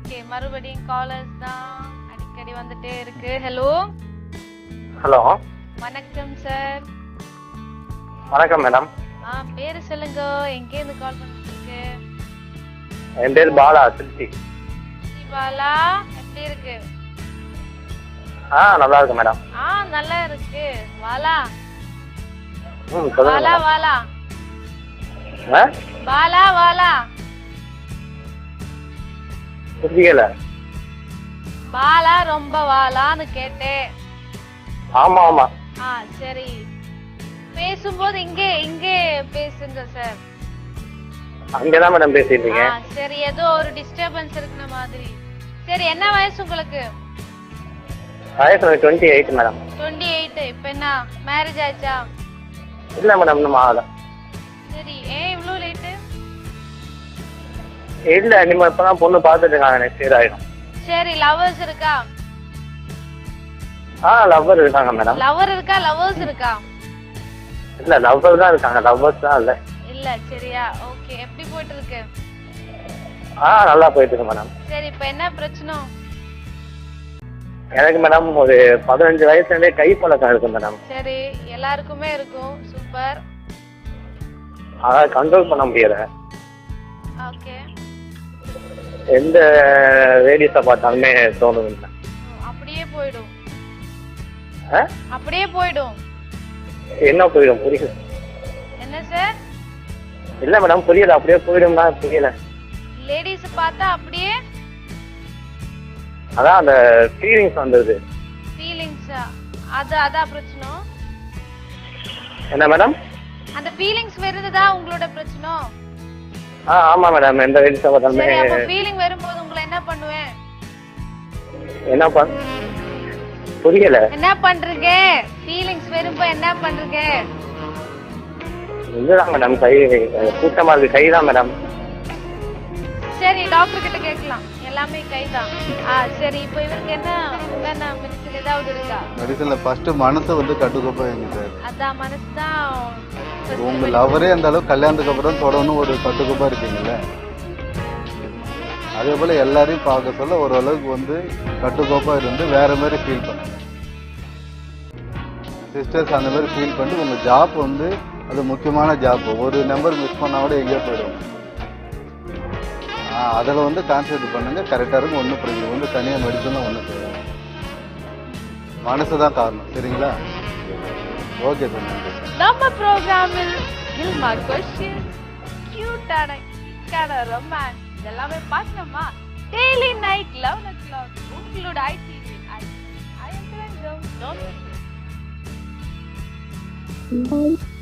Okay, மறுபடியும் callers தான் அடிக்கடி வந்துட்டே இருக்கு. ஹலோ ஹலோ, வணக்கம் சார். வணக்கம் மேடம். பேரு சொல்லுங்க, எங்கேருந்து கால் பண்ணிருக்கு? என் பேர் பாலா, திருச்சி. பாலா, எப்படி இருக்கு? நல்லா இருக்கு மேடம். நல்லா இருக்கு. வாலா சொல்லுங்க வாலா மேடம். வாலா ஆ? வாலா வாலா புரியல. பாலா ரொம்ப வாலான்னு கேட்டேன். ஆமா ஆமா. சரி, பேசும்போது இங்கே இங்கே பேசுங்க சார். அங்கதான் மேடம் பேசிட்டு இருக்கேன். சரி, ஏதோ ஒரு டிஸ்டர்பன்ஸ் இருக்கிற மாதிரி. சரி, என்ன வயசு உங்களுக்கு? வயசு 28 மேடம். 28. இப்ப என்ன மேரேஜ் ஆச்சா? இல்ல மேடம், இன்னும் ஆகல. சரி, ஏன் இவ்ளோ லேட்டு? இல்ல, நீங்க இப்பதான் பொண்ணு பாத்துட்டு இருக்காங்க, நெக்ஸ்ட் இயர் ஆயிடும். சரி, லவர்ஸ் இருக்கா? லவ்வர் இருக்காங்க மேடம். லவர் இருக்கா, லவர்ஸ் இருக்கா? இல்ல, லவ்வர் தான் இருக்காங்க, லவ்வர்ஸ் தான் இல்ல. இல்ல, சரியா? ஓகே, எப்படி போயிட்டு இருக்கு? நல்லா போயிட்டு இருக்கு மேடம். சரி, இப்ப என்ன பிரச்சனை? எனக்கு மேடம் ஒரு 15 வயசுல இருந்தே கை பழக்கம் இருக்கு மேடம். சரி, எல்லாருக்குமே இருக்கும். சூப்பர். அத கண்ட்ரோல் பண்ண முடியல. ஓகே, எந்த லேடிஸ பார்த்தாலுமே தோணுது. அப்படியே போய்டும். ஆ? அப்படியே போய்டும். என்ன போயிடும்? புரியல. என்ன சார்? இல்ல மேடம், புரியல. அப்படியே போயிடும்னா புரியல. லேடிஸ் பார்த்தா அப்படியே அதான் அந்த ஃபீலிங்ஸ் வந்தது. ஃபீலிங்ஸா? அதான் பிரச்சனை. என்ன மேடம்? அந்த ஃபீலிங்ஸ் வருதுதா உங்களோட பிரச்சனை? ஆமா மேடம், எந்த லேடிஸ பார்த்தாலுமே. சரி, அப்ப ஃபீலிங் வரும்போது உங்களை என்ன பண்ணுவேன்? என்ன புரியல. என்ன பண்றீங்க? ஃபீலிங்ஸ் வரும்போது என்ன பண்றீங்க? இதுதான் மேடம், கை கூட்டமா இருக்கு. கைதான் மேடம். சரி, டாக்டர் கிட்ட கேட்கலாம். எல்லாமே கைதான். சரி, இப்போ இவருக்கு என்ன மெடிசன் ஏதாவது இருக்கா? மெடிசன்ல ஃபர்ஸ்ட் மனசை வந்து கட்டுக்கோப்பா வைங்க சார். அதான் மனசு தான். உங்க லவரே அந்த அளவுக்கு கல்யாணத்துக்கு அப்புறம் தொடர்ந்து ஒரு கட்டுக்கோப்பா இருக்கீங்கல்ல, அதே போல எல்லாரையும் பார்க்க சொல்ல ஓரளவுக்கு வந்து கட்டுக்கோப்பா இருந்து வேற மாதிரி ஃபீல் பண்ணுங்க. சிஸ்டர்ஸ் அந்த மாதிரி ஃபீல் பண்ணிட்டு உங்க ஜாப் வந்து அது முக்கியமான ஜாப். ஒரு நம்பர் மிஸ் பண்ணா கூட எங்கேயோ போயிடும். அதில் வந்து கான்சன்ட்ரேட் பண்ணுங்க, கரெக்டாக இருக்கும். ஒன்றும் பிரச்சனை வந்து தனியாக மெடிசன் ஒன்றும் செய்யாது. மனசு தான் காரணம். சரிங்களா? ஓகே சார், நன்றி. நம்ம ப்ரோக்ராமில் கில்மார் கொஸ்டின், கியூட்டான ரொமான்ஸ் இதெல்லாமே பார்க்கணுமா? டெய்லி நைட் 11 o'clock உங்களோட ITV. I am Ranjam. Don't miss it.